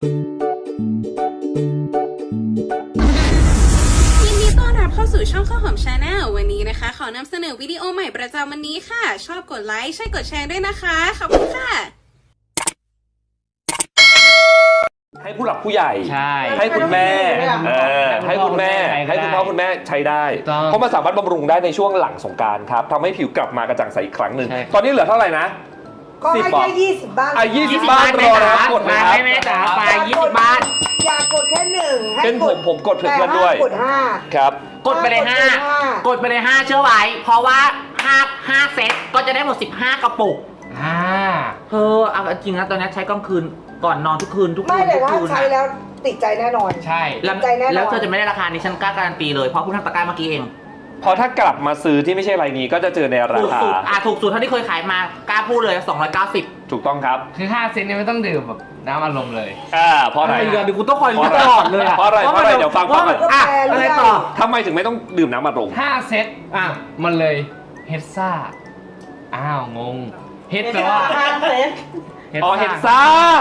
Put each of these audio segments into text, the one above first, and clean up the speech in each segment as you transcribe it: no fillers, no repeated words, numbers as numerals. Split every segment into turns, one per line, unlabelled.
ยินดีต้อนรับเข้าสู่ช่องข้าวหอมชาแนลวันนี้นะคะขอนำเสนอวิดีโอใหม่ประจำวันนี้ค่ะชอบกดไลค์ใช่กดแชร์ด้วยนะคะขอบคุณค่ะ
ให้ผู้หลักผู้ใหญ่
ใช่
ให้คุณแม่ให้คุณแม่ให้คุณพ่อคุณแม่ใช้ได้เพราะมันสามารถบำรุงได้ในช่วงหลังสงกรานต์ครับทำให้ผิวกลับมากระจ่างใสอีกครั้งหนึ่งตอนนี้เหลือเท่าไหร่นะ
ก็ให้แค่20 บ้าน
20 บ้านรอนะครับกดเลยครับ
แม่จ๋าไป20 บ้าน
อย่ากดแค่1ให้
เป็นผมกดเพื่อนด้วย
กด5
ครับ
กดไปเลย5กดไปเลย5เชื่อไว้เพราะว่า5เซตก็จะได้หมด15กระปุกเอาจริงนะตอนนี้ใช้กลางคืนก่อนนอนทุกคืน
ไม่แต่ถ้าใช้แล้วติดใจแน่นอน
ใช่แล้วเธอจะไม่ได้ราคานี้ฉันกล้าการันตีเลยเพราะคุณทำตะกร้าเมื่อกี้เอง
พอถ้ากลับมาซื้อที่ไม่ใช่รายนี้ก็จะเจอในราคา
ถูกสุดเท่าที่เคยขายมากล้าพูดเลย290
ถูกต้องครับ
คือ5 เซนเนี่ยไม่ต้องดื่มแบบน้ำอารมณ์เลย
เพราะอะไร
เดี๋ยวกูต้องคอยรู้ตลอดเลย
เพราะอะไรเดี๋ยวฟังก่อน
อะไรต่อ
ทำไมถึงไม่ต้องดื่มน้ำอัดลม
5 เซตมันเลยเฮดซ่าอ้าวงงเฮดแปลว่า
5 เซต
เฮดซ่า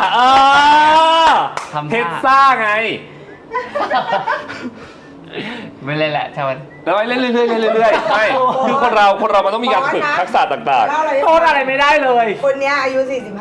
เฮดซ่าไง
ไม่เลยแหละใช่ไหม
แล้วเล่นเรื่อยๆไม่คือคนเรามันต้องมีการฝึกทักษะต่าง
ๆโทษอะไรไม่ได้เลย
คนนี้อายุ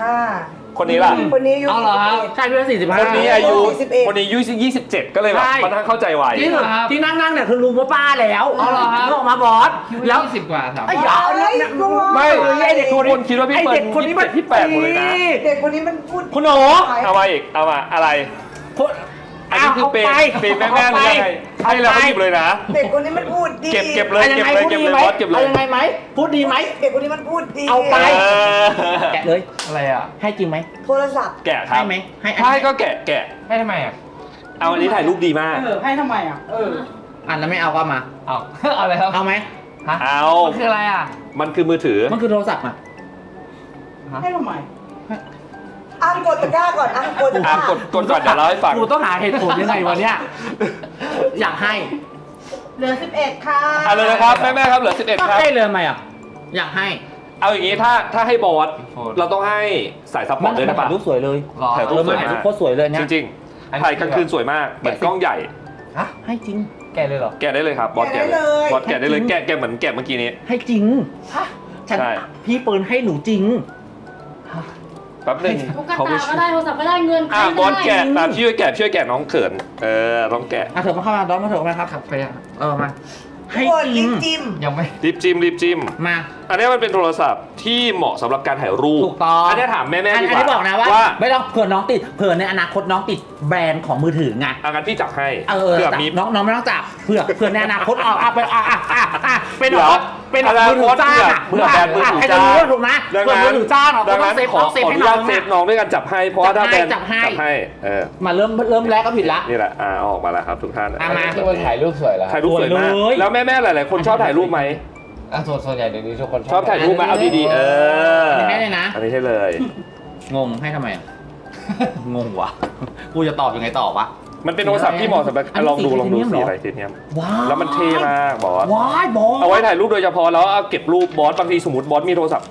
45
คนนี้ล่ะ
คนนี้อายุ
ใช่เพื่อน45
คนนี้อายุ27ก็เลยแบบค่อนข้างเข้าใจไว
ที่นั่งเนี่ยคือลุงพ่อป้าแล้วออกมาบอส
แล้ว20 กว่าถาม
ไม่ไอเด็กคนคิดว่าพี่เปิดคนนี้มันพี่8หมดเลยนะ
เด็กคนนี้มันพูด
คุณหนูเอามาอีกเอามาอะไรอันนี้คือเป็นแม่เลยให้เราหยิบเลยนะ
เด็กคนนี้มันพูดดี
เก็บเลยบอสเก็บเลย
ยังไงไหมพูดดีไหม
เด็กคนนี้มันพูดดี
เอาไปแกะเลย
อะไร
ให้จริงไหม
โทรศัพท์
แกะครับ
ให้ไหม
ให้ก็แกะ
ให้ทำไม
เอาอันนี้ถ่ายรูปดีมาก
ให้ทำไม
อันนั้นไม่เอาก็มา
เอาอะไรครับ
เอาไหม
เอา
มันคืออะไร
มันคือมือถือ
มันคือโทรศัพท์
ให้ทำไมกดตะกร้าก่อนกดตะกร้าก
ดก่อนเดี๋ยวเล่าให้ฟัง
กูต้องหาเหตุผลยังไงวะเนี่ยอยากให้
เหลือ11ค่ะ
เลยนะครับแม่ครับเหลือ11ครับ
ให้เลยไหมอยากให้
เอาอย่างนี้ถ้าให้บอสเราต้องให้สายซัพพอร์ตด้วยนะป่ะ
รูปสวยเลย
ถ่ายรูปสวยมาก
โคตรสวยเลยเนี่ย
จริงๆถ่ายกลางคืนสวยมากเหมือนกล้องใหญ่
ให้จริง
แกะเลยเหรอ
แกะได้เลยครับบอสแกะเลยบอสแกะได้เลยแกะเหมือนแกะเมื่อกี้นี้
ให้จริงฉันพี่ปืนให้หนูจริง
แป๊บนึง
เขาก็ได้โทรศัพท์ก็ได้เงิน
บอสแกะตามช่วยแกะน้องเขินต้องแกะ
เถอะมาเข้ามาดอนมาเถอะมาครับ
ไป
มาให้
จิ้ม
ยังไม่
รีบจิ้ม
มา
อันนี้มันเป็นโทรศัพท์ที่เหมาะสำหรับการถ่ายรูป
ถูกต้อง
อันนี้ถามแม่ดีกว่า
อันนี้บอกนะว่าไม่ต้องเผื่อน้องติดเผื่อในอนาคตน้องติดแบรนด์ของมือถือไง
งั้นพี่จับให้
เผื่อมีน้องไม่ต้องจับเผื่อในอนาคตเป็นมือถือจ้า
เผื่อแบรนด์มือถือจ้า
ถูกนะเผื่อมือถือจ้า
ดังนั้นขออนุญาตเซฟน้องด้วยกันจับให้เพราะถ้าแบรนด์จับให้
มาเริ่มแรกก็ผิดละ
นี่แหละออกมาแล้วครับทุกท่าน
มา
ถ่ายรูปสวยแล้ว
ถ่ายรูปสวยมากแล้วแม่หลายๆคนชอบถ่ายรูปไหม
ส่วนใหญ่เดี๋ยวนี้ทุกคน
ชอบถ่ายรูปมาเอาดีๆ
อันนี้ให้เลยนะ
อันนี้ให้เลย
งงให้ทำไมงงวะกูจะตอบยังไงต่อวะ
มันเป็นโทรศัพท์ที่เหมาะสำหรับลองดูสีอะไรทีเนี้ยแล้วมันเท่มากบอสเอาไว้ถ่ายรูปโดยเฉพาะแล้วเอาเก็บรูปบอสบางทีสมมติบอสมีโทรศัพท์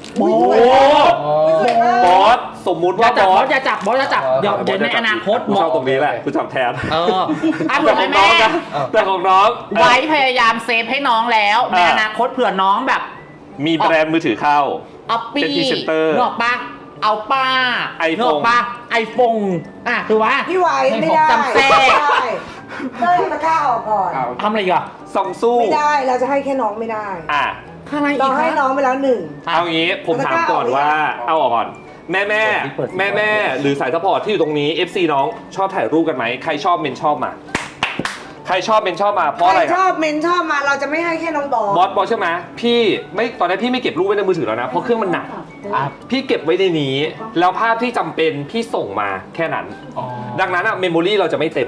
บอสสมมุติว่าบอส
จะจับเดี๋ยวในอนาคต
กูชอบตรงนี้แหละกูจับแทน
แต่ของน้อง
แต่ของน้อง
ไว้พยายามเซฟให้น้องแล้วในอนาคตเผื่อน้องแบบ
มีแบรนด์มือถือเข้า
เป็นพรีเซนเตอร์นอกปะเอาป้า
นอก
ปะไอโฟนคือว่า
พี่ไหวไม่ได้
จำแท้
ต้องตะกร้าออกก่อน
ทำอะไรอีก
ซองสู้
ไม่ได้เราจะให้แค่น้องไม่ได้เราให้น้องไปแล้ว1
เอางี้ผมถามก่อนว่าเอาออกก่อนแม่หรือสายซัพพอร์ตที่อยู่ตรงนี้ FC น้องชอบถ่ายรูปกันไหมใครชอบเมนชอบมาใครชอบเมนชอบมาเพราะอะไร
ชอบเมนชอบมาเราจะไม่ให้แค่น้องบ
อสใช่ไหมพี่ไม่ตอนนี้พี่ไม่เก็บรูปไว้ในมือถือแล้วนะเพราะเครื่องมันหนักพี่เก็บไว้ในนี้แล้วภาพที่จำเป็นพี่ส่งมาแค่นั้นดังนั้นเมมโมรี่เราจะไม่เต็ม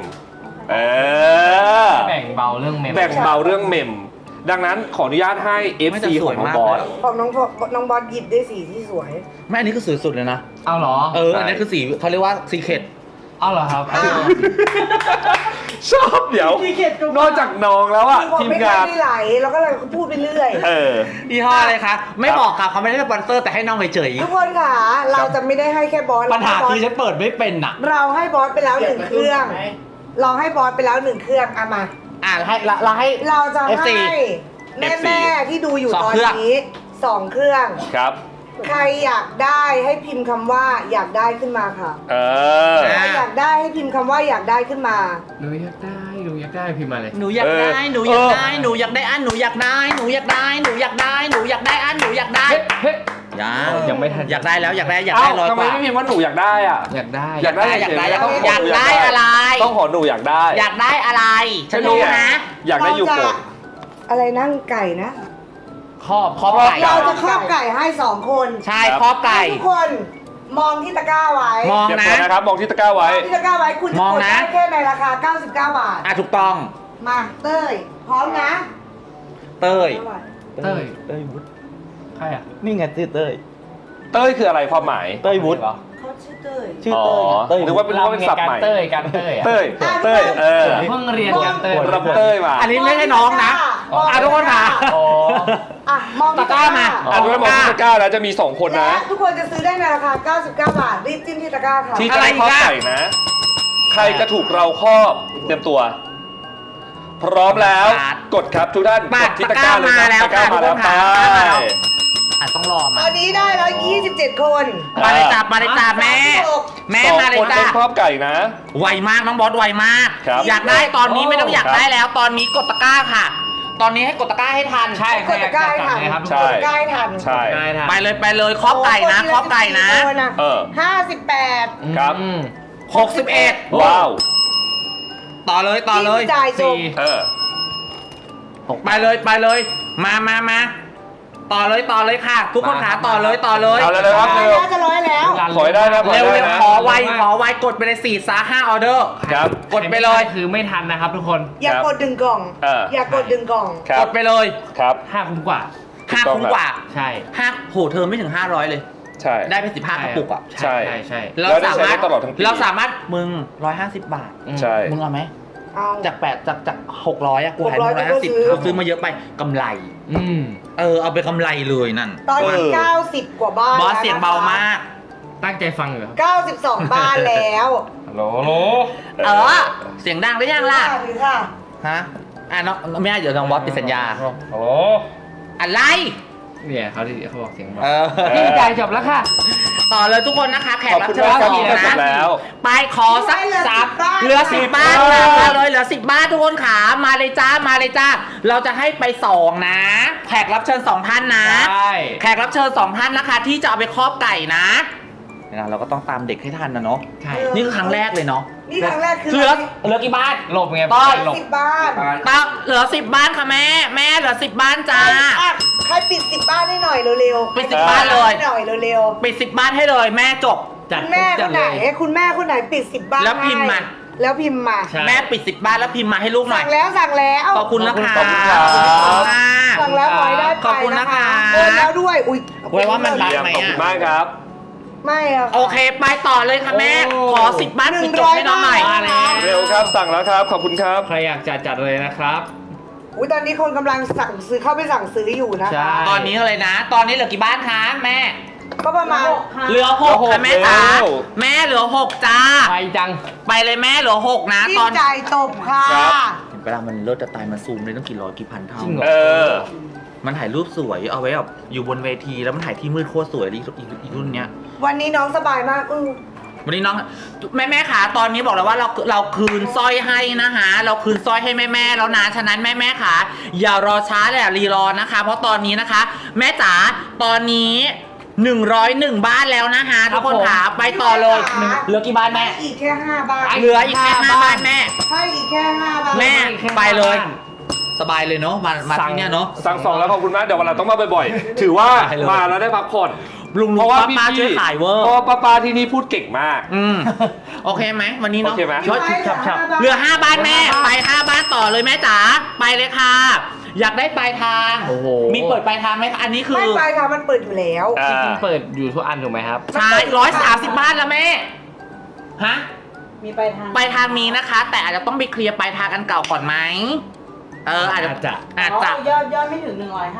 แบ่งเบาเรื่อง
เมมดังนั้นขออนุญาตให้ FC ของน้องบอส
ของน้องบอสหยิบได้สีที่สวย
ไม่อันนี้คือสวยสุดเลยนะ
เอาเหรอ
อันนี้คือสีเขาเรียกว่าซีเคร็ต
เอาเหรอครับ
ชอบเดี๋ยว
ขี้เกียจจุ๊บ
นอกจากน้องแล้วอะ
คือผม
ทีม
ไม่
งาน
ได้ไหลแล้วก็เลยพูดไปเรื่อย
เออ
ยี่ห้ออะไรคะ ไม่บอกค่ะเขาไม่ได้สปอนเซอร์แต่ให้น้องเฉย
ทุกคนค่ะเราจะไม่ได้ให้แค่บอส
ๆปัญหาคือฉันเปิดไม่เป็นอ่ะ
เราให้บอสไปแล้ว1เครื่อง เราให้บอสไปแล้ว1เครื่องเอามา
เราให้
เราจะ
FC
ให้แม่ๆที่ดูอยู่
สอง
ตอน
เครื่อง
นี้2เครื่อง
ครับ
ใครอยากได้ให้พิมพ์คำว่าอยากได้ขึ้นมาค่ะ
เออ
ใครอยากได้ให้พิมพ์คำว่าอยากได้ขึ้นมา
หนูอยากได้หนูอยากได้พิมพ์มาเลย
หนูอยากได้หนูอยากได้หนูอยากได้อันหนูอยากได้หนูอยากได้หนูอยากได้หนูอยากได้อันหนูอยากได้
เฮ้ย
ยังไม่ทันอยากได้แล้วอยากได้อยาก
เอ้า
ได้ร้อย
ทำ
ก
ไม
ว่า
ไม่พิมพ์ว่าหนูอยากได้อ่ะ
อยากได้
อยากได้
อยากได้
เฉๆ
อยากได้
ต้ง
อยากได้อะไร
ต้องขอหนูอยากได้
อยากได้อะไรฉันรู้นะ
อยากได้ยูโกะ
อะไรนั่งไก่นะ
ครอบไก่
เราจะครอบไก่ให้2คน
ใช่ครอบไก่
ทุกคนมองที่ตะกร้าไว้
มอง
เก็บ
นะ
ตัวนะครับ มองที่ตะกร้าไว้
มองที่ตะกร้าไว้คุณจะ
มอง
กด
นะ
ได้แค่ในราคา 99 บาท
อ่ะถูกต้อง
มาเต้ยพร้อมนะ
เต้ย
เต้ย
เต้ยวุฒิ
ใครอ่ะ
นี่ไงชื่อเต้ย
เต้ยคืออะไรความหมาย
เต้ยวุฒิ
เหรอ
เขาชื่อเต้ย
ชื่อ
อ๋อ
เต้ย
นึกว่าเป็นศัพท์ใหม่
เต้ยการเต้ยอ่ะ
เต้ยเต้ยเออ
เพิ่งเรียนการเต้ย
รับเต้ยมา
อันนี้ไม่ใช่น้องนะ
มอง
อ่ะทุกคนค่ะ
อ๋อ
อ่ะมองที่
ตะกร้ามา
อันนี้มองที่ตะกร้าแล้วจะมี2คนนะ
และทุกคนจะซื้อได้ในราคา 99 บาท รีบจิ้มที่ตะกร้าค่ะ
ที่จะได้ครอบไก่นะ ใครจะถูกเราครอบเตรียมตัว พร้อมแล้ว กดครับทุกท่าน
มาก
ดที่ตะกร้าเลยครับ
ตะกร้ามาแล้ว
ตะกร้ามา
ค่ะ
แล้ว
อ่ะต้องรอ
ต
มา
อนนี้ได้แล้ว27 คน
มาเลยจ้ามาเลยจ้าแม่ แม่
สอง
มาเลย
คน
จ้า
ต้องครอบไก่นะ
ไวมากน้องบอสไวมาก
ครับ
อยากได้ตอนนี้ไม่ต้องอยาก
ครับ
ได้แล้ว ตอนนี้กดตะกร้าค่ะ ตอนนี้ให้กดตะกร้าให้ทัน
ใช่
กดตะกร้าให้ทัน
ครับทุก
ใช่
คน
ใกล้ทัน
ใช่
ได้ทัน
ไปเลยครอบไก่นะครอบไก่นะ
เออ
58
ครับ
อืม
61
ว้าว
ต่อเลย
จิ้มจ่ายจบ
เออ
ไปเลยมาต่อเลยค่ะ ทุกคนขาต่อเลย
เอาเลยครับเร็ว
น่าจะร้อยแล้ว
ขอให้ได้นะขอให้
เร็ว
ได้นะ
ขอไวกดไปเลย4-5ออเดอร์
ครับ
กดไปเลย
คือไม่ทันนะครับทุกคน
อย่ากดดึงกล่อง อย่ากดดึงกล่อง
ครั
ก
บ
ดไปเลย
ครับ
5 คุ้มกว่า
5คุ้มกว่า
ใช่
โหเธอไม่ถึง500เลย
ใช่
ได้ไป15กระปุกอ่ะ
ใช่
ใช่
แล้วได้ใช้ได้ตลอดทั้งปี
เราสามารถมึง150 บาท
ใช่
มึงเอาไหม
เอา
จาก600อ่ะกูหาย
600
150กูซื้อมาเยอะไปกำไร
อืม
เอาไปกำไรเลยนั่น
ตอนนี้90 กว่าบ้าน
บอสเสียงเบามาก
ตั้งใจฟังอยู่ครับ
92 บ้านแล้ว
ฮัลโหล
เสียงดังหรือยังล่ะ
หรือค่ะ
ฮะน้องไม่ได้เดี๋ยวน้องบอสติดสัญญา
ฮัลโหล
อะไร
เนี่ยเขาบอกเสียงเบา
พี่
จ่ายจบแล้วค่ะ
ต่อเลยทุกคนนะคะ แขก
ขอบ
รับ
คุณ
เชิญ
มากครับ
สอง
ที่จบ
นะ
แล้ว
ไปขอสัก
เหลือ
สาม
10บ้าน
เหลือ10 บ้าน
10
นะ
บ้าน
มาเลยเหลือ10 บ้านทุกคนขามาเลยจ้าเราจะให้ไป2นะแขกรับเชิญ2ท่านนะ
ใช่
แขกรับเชิญ2ท่านนะคะ ที่จะเอาไปครอบไก่นะเราก็ต้องตามเด็กให้ทันนะเนาะ
ใช่
นี่คือครั้งแรกเลยเนาะ
นี่ครั้งแรกคือ
เหลือกี่บ้าน
หลบไง
ต้อย
หลบ
10 บ้าน
เหลือ10 บ้านค่ะแม่เหลือ10 บ้านจ้า
อ่ะใครปิด 10 บ้านให้หน่อยเร็วๆ
ปิด10 บ้านเลย
ให้หน่อยเร็ว
ปิด10 บ้านให้เลยแม่จบ
จัด
ๆคุณแม่คนไหนคุณแม่คนไหนปิด 10 บ้าน
แล้วพิมพ์มา
ให้แล้วพิมพ์มา
ใช่
แม่ปิด10 บ้านแล้วพิมพ์มาให้ลูกหน่อย
สั่งแล้ว
ขอบคุณนะคะ
ขอบคุณครับ
ขอบคุณค่ะ
สั่งแล้วขอให้ได้ไป
ขอบคุณนะคะ
โอนแล้วด้วยอุ้ย
ไว้ว่ามันรัก
เยี่ยมขอบคุณมากครับ
ไม่อะค่ะ
โอเคไปต่อเลยค่ะแม่
โอ้
ขอ10 บ้านปิดจบให้น้องหน่อย
100 บ้าน
เร็วครับสั่งแล้วครับ ขอบคุณครับ
ใครอยากจัดเลยนะครับ
อุ้ยตอนนี้คนกำลังสั่งซื้อเข้าไปสั่งซื้ออยู่นะ
ใช่
คะ
ตอนนี้เลยนะ ตอนนี้เหลือกี่บ้านคะแม่
ก็ประมาณ
เหลือ6ค่ะแม่จ๋า
แล้ว
แม่เหลือ6จ้า
ไปจัง
ไปเลยแม่เหลือ6นะ
ที่
ตอน
จ่ายตบค่ะ
ครับ
เวลามันเลิศจะตายมันซูมได้ต้องกี่ร้อยกี่พันเท่า
จริงเหร
เออ
มันถ่ายรูปสวยเอาไว้แบบอยู่บนเวทีแล้วมันถ่ายที่มืดโคตรสวยอีกรุ่นเนี้ย
วันนี้น้องสบายมาก
วันนี้น้องแม่ขาตอนนี้บอกแล้วว่าเราคืนสร้อยให้นะคะเราคืนสร้อยให้แม่แล้วนะฉะนั้นแม่ขาอย่ารอช้าเลยรีรอนะคะ เพราะตอนนี้นะคะ แม่จ๋าตอนนี้101 บ้านแล้วนะคะทุกคนขาไปต่อเลยเหลือกี่บ้านแม่
อีกแค่ 5 บ้าน
เหลืออีกแค่5 บ้านแม่
ให้อีกแค่ 5 บ้าน
แม่
แค่
ไปเลย
บ้าน
สบายเลยเนาะมาที่เนี่ยเนาะ
สั่ง2แล้วขอบคุณมากเดี๋ยววันหลังต้องมาบ่อยๆ ถือว่า
ได้เลย
มาแล้วได้พักผ่อน
ลุง
เพราะว่า
ป้า
พี่
ช่วยขายเวอร์
เพราะว่าป้าที่นี่พูดเก่งมาก
โอเคไหมวันนี้เนาะ
โอเคไหม
ช่วย
ฉับ
เหลือ5 บ้านแม่ไป5 บ้านต่อเลยแม่จ๋าไปเลยค่ะ อยากได้ปลายทาง
โอ้โห
มีเปิดปลายทางไหมคะอันนี้คือ
ไม่ไปค่ะมันเปิดอยู่แล้ว
อ่า
จริงๆเปิดอยู่ทุกอันถูกไหมครับ
ใช่130 บ้านแล้วแม่ฮะ
มีปลายทาง
ปลายทางมีนะคะ แต่อาจจะต้องไปเคลียร์ปลายทางอันเก่าก่อนไหมอาจจะ
ยอดไม่ถึง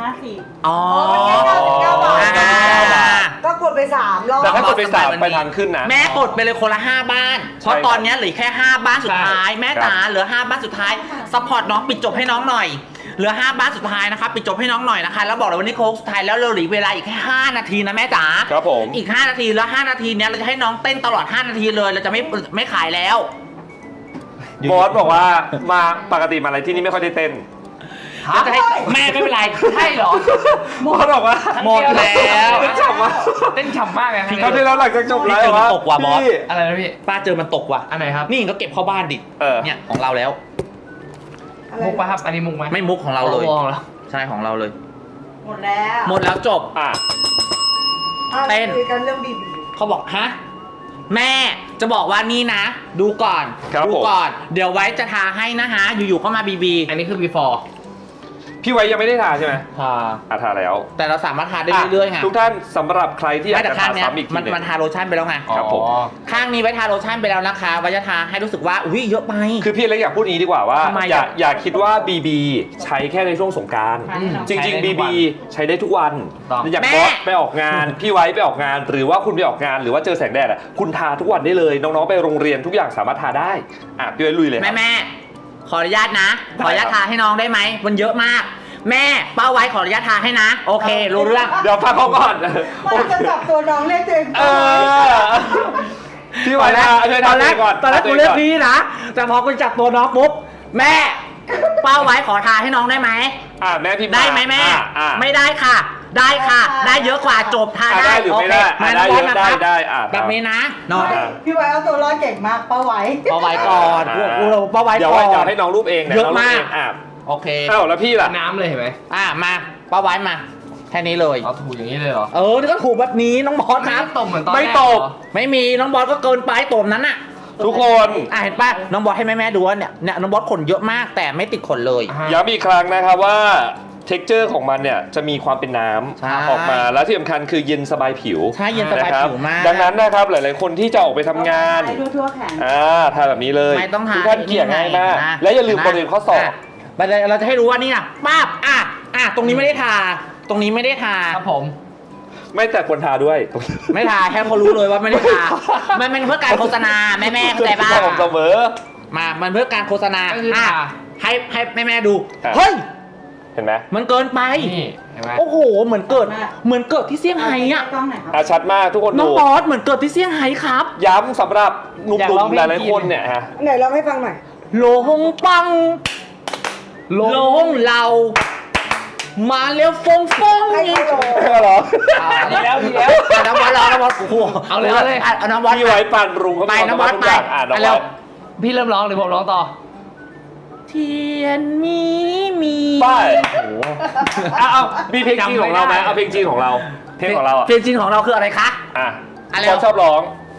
150
อ๋อ
มันแค่99 บาท ก็กดไป3 รอบ
แต่ถ้ากดไป3ไปทางขึ้นนะ
แม่กดไปเลยคนละ5 บ้าน เพราะตอนนี้เหลือแค่5 บ้านสุดท้าย แม่จ๋าเหลือ5 บ้านสุดท้ายซัพพอร์ตน้องปิดจบให้น้องหน่อยเหลือ5 บ้านสุดท้ายนะคะปิดจบให้น้องหน่อยนะคะแล้วบอกเลยวันนี้โค้งสุดท้ายแล้วเราเหลือเวลาอีกแค่5 นาทีนะแม่จ๋า
ครับผม
อีก5 นาทีแล้ว5 นาทีเนี้ยเราจะให้น้องเต้นตลอด5 นาทีเลยเราจะไม่ขายแล้ว
บอสบอกว่ามาปกติมาอะไรที่นี่ไม่ค่อยได้เต้น
เราจะให้แม่ไม่เป็นไร
ใช่เหรอ
บอสบอกว่า
หมดแล้ว
เต้นฉ่ำมาก
เต้นฉ่ำมากเลย
เขาที่แล้วหลังจากจบไล
พี่
ฟ์
เจอมันตกว่ะบอส
พี่
อะไรนะพี่
ป้าเจอมันตกว่ะ
อันไหนครับ
นี่ก็เก็บเข้าบ้านดิ เนี่ยของเราแล้ว
มุกปะครับ อันนี้มุกไหม
ไม่มุกของเราเลย
มองแล้ว
ใช่ของเราเลย
หมดแล้ว
หมดแล้วจบ
อ่ะ
เต้น
คุยกันเรื่องบีบี
เขาบอกฮะแม่จะบอกว่านี่นะ ดูก่อน
ครับ
ดู
ผม
ก่อน เดี๋ยวไว้จะทาให้นะฮะ อยู่ๆก็มาบีบี
อันนี้คือ before
พี่ไว้ยังไม่ได้ทาใช่ไหม
ทา
ทาแล้ว
แต่เราสามารถทาได้เรื่อยๆไง
ทุกท่านสำหรับใครที่อยา
ไม่
ก
แต่
จะ
ข้า
ทาง
เนี้ย
ซ้ำอีกที
มัน
หนึง
มันทาโลชั่นไปแล้วไง
ครับผม
อ๋อ
ข้างนี้ไว้ทาโลชั่นไปแล้วนะคะไว้จะทาให้รู้สึกว่าอุ้ยเยอะไป
คือพี่เล็กอยากพูดนี้ดีกว่าว่า
ทำไม
อย่าคิดว่า BB ใช้แค่ในช่วงสงกรารจริง ๆ BB ใช้ได้ทุกวัน
ต้อง
อยากบอสไปออกงาน พี่ไว้ไปออกงาน หรือว่าคุณไปออกงานหรือว่าเจอแสงแดดอ่ะคุณทาทุกวันได้เลยน้องๆไปโรงเรียนทุกอย่างสามารถทาได้อ่ะพี่ไว้ลุยเลยครับ
แม่ขออนุญาตนะ ขออนุญาตทาให้น้องได้ไหมมันเยอะมาก แม่เป้าไว้ขออนุญาตทาให้นะ โอเค รู้เรื่อง
เดี๋ยวฟังเขาก่อน
มันจะจับตัวน้องเรียกตัวเอง
เออพี่ไว้ทาช่วย
ต
ทา
อนแรก
ก่อน
ตอนแรกกูเลือกพี่นะ แต่พอกูจับตัวน้องปุ๊บแม่เป้าไว้ขอทาให้น้องได้ไหม
แม่พี่
ได้ไหมแม่
อ่ะ
ไม่ได้ค่ะ ได้ค่ะ ได้เยอะกว่าจบทา
ได้หรือไม่ได้
โอเค
ได้เยอะ
มา
ได้
นะครับ
ได้
แบบนี้นะน้อง
พี่ไว้เอาตัวรอดเก่งมากป้าไว้
เป้าไว้ก่อนกูเป้าไว้
เดี๋ยว
ก่
ไว้
อน
เดี๋ยวให้น้องรูปเองนี่
เยอะมาก
น้งรูปง
โอเค
อ้าวแล้วพี่ล่ะ
น้ำเลยเห็นไหม
มาเป้าไว้มาแค่นี้เลย
เอาถูอย่างนี้เลยเหรอ
นี่ก็ถูกแบบนี้น้องบอสครับ
ตบเหมือนตอนแรก
ไม่ตบ
เหรอ
ไม่มีน้องบอสก็เกินไปตัวนั้นน่ะ
ทุกคน
เห็นป่ะน้องบอสให้แม่ๆดูว่าเนี่ยน้องบอสขนเยอะมากแต่ไม่ติดขนเลย
อ่า
ย้ำอีกครั้งนะครับว่า texture ของมันเนี่ยจะมีความเป็นน้
ใช่
ำออกมาแล้วที่สำคัญคือเย็นสบายผิว
ใช่เย็นสบาย
นะครับ
ผิวมาก
ดังนั้นนะครับหลายๆคนที่จะออกไปทำงาน
ไปทั่วๆแขน
ทาแบบนี้เลย
ไม่ต้องทา
ทุกท่านเกลี่ยง่ายมาก
นะ
และอย่าลืมบริเวณข้อศอก
เราจะให้รู้ว่านี่นะป้าบตรงนี้ไม่ได้ทา ตรงนี้ไม่ได้ทา
ครับผม
ไม่แต่ควรทาด้วย
ไม่ทาแค่เขารู้เลยว่าไม่ได้ทา มันเป็นเพื่อการโฆษณาแม่ๆเข้าใจป่ะ
ผมเสมอ
มันเพื่อการโฆษณา
ก็คือทา
ให้แม่ๆดู
อ่ะ
เฮ้ย
เห็นไหม
มันเกินไป
นี่เห็นไหม
โอ้โห เหมือนเกิดที่เซี่ยงไฮ้อะ
กล้องไหนครับ
ชัดมากทุกคน
น้อง
ดู
บอสเหมือนเกิดที่เซี่ยงไฮ้ครับ
ย้ำสำหรับหนุ่
อยากลอง
มๆ
เพ
ห
ลง
ลายๆคนเนี่ยฮะ
ไหนลองให้ฟังหน่อย
โลหงปังโลหงเรา มาเร็วฟงฟง
ให้เขาลอง
เหรอ
ดีแล้วดีแล้ว
น้องบอสรอน้องบอสโอ้โห
เอาเลย
เอาน้องบอส
พี่ไว้ปั่นรุงเขา
ไปน้องบอส
ทุก
ไป
อย่างน้องบอส
พี่เริ่มร้องหรือผมร้องต่อ
เทียนมี
ไป
โอ้โห
เอามีเพลงจีนของเราไหมเอาเพลงจีนของเรา เพลงของเราอ่ะ
เพลงจริงของเราคืออะไรคะ อะไร
เราชอบร้อง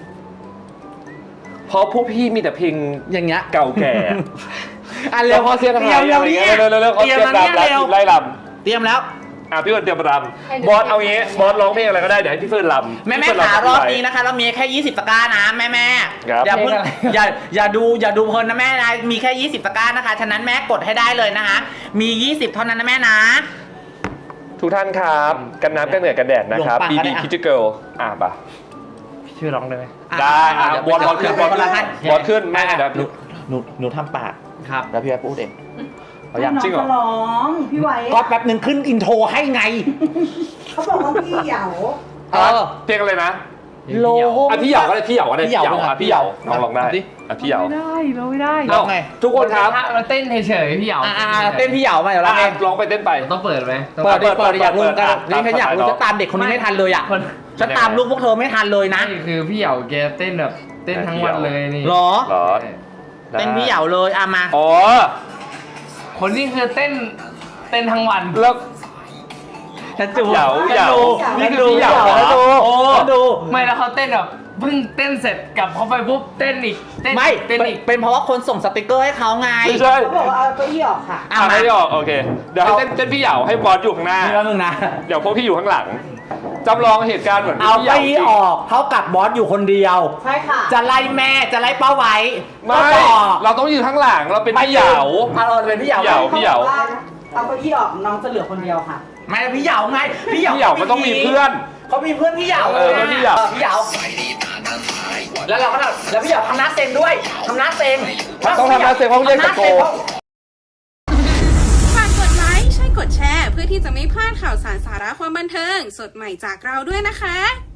เพราะพวกพี่มีแต่เพลง
อย่างเงี้ย
เก่าแก่
เร็ว
พอเสียงไทย
เร็ว
อะไร
นี้
เงี้ยเร็วๆเขา
เตรียม
เตรียม
มา
รำ
เนี่ย
แล้ว
เร็ว
ทีมไล่ร
เตรียมแล้ว
ำพี่เฟิร์นเตรียมรำบอสเอางี้บอสร้องเพลงอะไรก็ได้เดี๋ยวให้พี่เฟิร์นรำ
แม่
พี่เฟิ
ขาร
รำ
อบ
ไป
นี้นะคะ เรามีแค่20ตะกร้านะแม่
ครับ
อย่าเพิ่งอย่าดูเพลินนะแม่นะมีแค่20ตะกร้านะคะฉะนั้นแม่กดให้ได้เลยนะคะมี20เท่านั้นนะแม่นะ
ทุกท่านครับ กันน้ำกันเหนือกันแดดนะครับ
หลงป่า
BB
ก็ได้อะ
Kitty Girl ป่ะ
พี่ช่วยร้องได้ไหม
ได้บอสขึ้นบอส
คนละท่าน
บอสขึ้นแม่เดี๋ยว
หนูทำปาก
ครับ
แล้วพี่แป๊บพูดเอง
เอายังจริงเหรอ
น้องร้องพี่ไว้
ก็แป๊บหนึ่งขึ้นอินโทรให้ไง
เขาบอกว่าพี่เหยา
เพลงอะไรนะ
โลหง
พี่เหยาก็ได้พี่เหยาก็ได้
พี่เหยา
พี่เหยาน้องลองได้
ดิ
พี่เหยา
ไม่ได้เราไม่ได้
เอ้าไง
ทุกคนครับ
เราเต้นเฉยๆพี่เหยา
เต้นพี่เหยามาเดี๋ยวเราเอง
ร้องไปเต้นไป
ต้องเปิดไหมต้อง
เปิดดิอยากรู้กัน
ตาม
นี่ฉันอยากรู้
ตาม
จะตามเด็กคนนี้ไม่ทันเลยอ่ะ
คน
ฉันตามลูกพวกเธอไม่ทันเลยนะ
นี่คือพี่เหยาแกเต้นแบบเต้นทั้งวันเลยนี่
หรอ
เหรอ
เต้นพี่เหยาเลยมา
อ๋อ
คนนี้คือเต้นทั้งวัน
แล้ว
ฉันดู
เหยา
ฉันดู
นี่คือพี่เหยา
ฉันดู
โอ้
ฉันดู
ไม่แล้วเขาเต้นแบบเพิ่งเต้นเสร็จกลับเขาไปปุ๊บเต้นอีกเต้น
ไม่
เต้นอีก
เป็นเพราะว่าคนส่งสติกเกอร์ให้เขาไง
ไม่ใช่
เขาบอกว่าเอาเก้าอี้ออกค่ะ
อ่ะ
ไม่
มา
ได้ออกโอเค เดี๋ยวให้เต้นพี่เหยาให้บอสอยู่ข้างหน้า
นี่แล้วมึงนะ
เดี๋ยวพวกพี่อยู่ข้างหลังจำลองเหตุการณ์เหมือน
เอา
พี่
ไป
เหยา
ออกเท่ากับบอสอยู่คนเดียว
ใช่ค่ะ
จะไล่แม่จะไล่ป้าไว้
ไม่
ก็บอก
เราต้องยืนข้างหลังเราเป็นพี่เหยา
เราเป็นพี่เหยา
พี่เหยา
เอาเก้าอี้ออกน้องจะเหลือคนเดียวค่ะ
ไม่พี่เหยาไงพี่เหยา
พี่เหยามันต้องมีเพื่อน
เขามีเพื่อนพี่เหยา
เป็นพี่เหยา
พี่เหยาแล้วเราก็แล้วพี่เหยาทำหน้าเซ็งด้วยทำหน้าเซ็ง
ต้องทำหน้าเซ็งเพราะเรียกตะโก
ฝากกดไลค์ใช่กดแชร์ เพื่อที่จะไม่พลาดข่าวสารสาระความบันเทิง สดใหม่จากเราด้วยนะคะ